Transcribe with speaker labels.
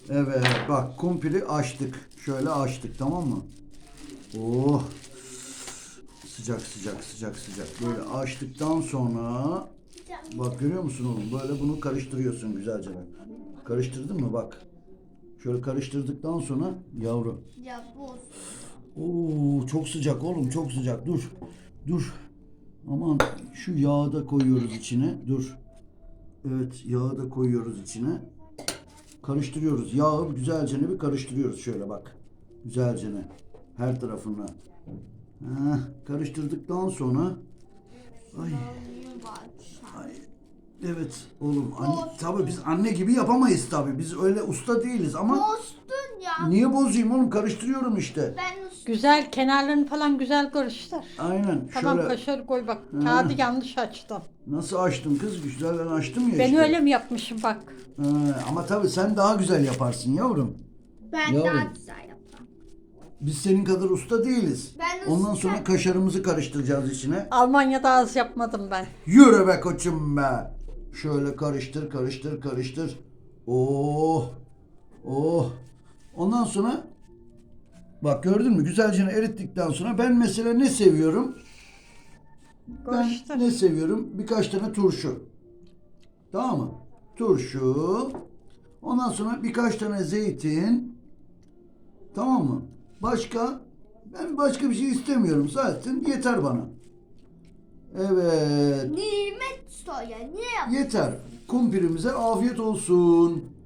Speaker 1: Evet bak kumpiri açtık. Şöyle açtık tamam mı? Oh. Sıcak sıcak sıcak sıcak. Böyle açtıktan sonra bak görüyor musun oğlum? Böyle bunu karıştırıyorsun güzelce. Karıştırdın mı bak. Şöyle karıştırdıktan sonra yavru.
Speaker 2: Ya boz.
Speaker 1: Oo çok sıcak oğlum çok sıcak. Dur. Dur. Aman şu yağı da koyuyoruz içine. Dur. Evet yağı da koyuyoruz içine. Karıştırıyoruz. Yağı güzelce bir karıştırıyoruz şöyle bak. Güzelce her tarafına. Karıştırdıktan sonra ay ay evet oğlum tabii biz anne gibi yapamayız tabii. Biz öyle usta değiliz ama
Speaker 2: Bozdun ya.
Speaker 1: niye bozayım oğlum karıştırıyorum işte.
Speaker 2: Ben usta.
Speaker 3: Güzel kenarlarını falan güzel karıştır.
Speaker 1: Aynen
Speaker 3: Tamam
Speaker 1: şöyle
Speaker 3: kaşarı koy bak. Kağıdı yanlış açtın.
Speaker 1: nasıl açtım kız güzel ben açtım ya
Speaker 3: Ben
Speaker 1: işte.
Speaker 3: öyle mi yapmışım bak.
Speaker 1: Ama tabii sen daha güzel yaparsın yavrum.
Speaker 2: Ben
Speaker 1: Yavrum.
Speaker 2: daha güzel yaparım.
Speaker 1: Biz senin kadar usta değiliz.
Speaker 2: Ben
Speaker 1: Ondan
Speaker 2: usta-
Speaker 1: sonra kaşarımızı karıştıracağız içine.
Speaker 3: Almanya'da az yapmadım ben.
Speaker 1: Yürü be koçum be. Şöyle karıştır karıştır karıştır. Oh. Oh. Ondan sonra bak gördün mü güzelce erittikten sonra ben mesela ne seviyorum?
Speaker 3: Karıştır.
Speaker 1: Ben ne seviyorum? Birkaç tane turşu. Tamam mı? Turşu. Ondan sonra birkaç tane zeytin. Tamam mı? Ben başka bir şey istemiyorum zaten. Yeter bana. Evet.
Speaker 2: Nimet soya. Niye yaptın?
Speaker 1: Yeter. Kumpirimize afiyet olsun.